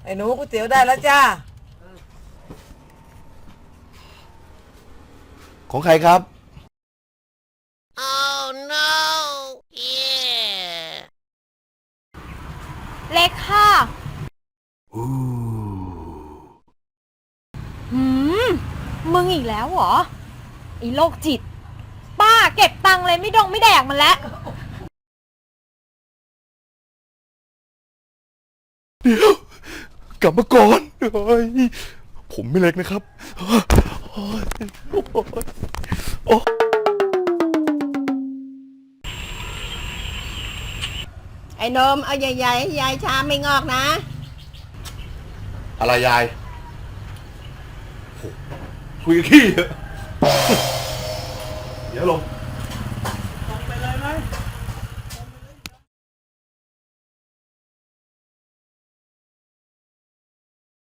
ไอ้หนูก๋วยเตี๋ยวได้แล้วจ้าของใครครับ Oh no! Yeah! เล็กค่ะหืมมึงอีกแล้วเหรอไอ้โรคจิตป้าเก็บตังค์เลยไม่แดกมันแล้วเดี๋ยวกลับมาก่อนเฮ้ยผมไม่เล็กนะครับโอ้ยโอ้ยไอ้นมเอาใหญ่ๆยายชาไม่งอกนะอะไรยายโอ้คุยกับขี้เถอะเดี๋ยวลง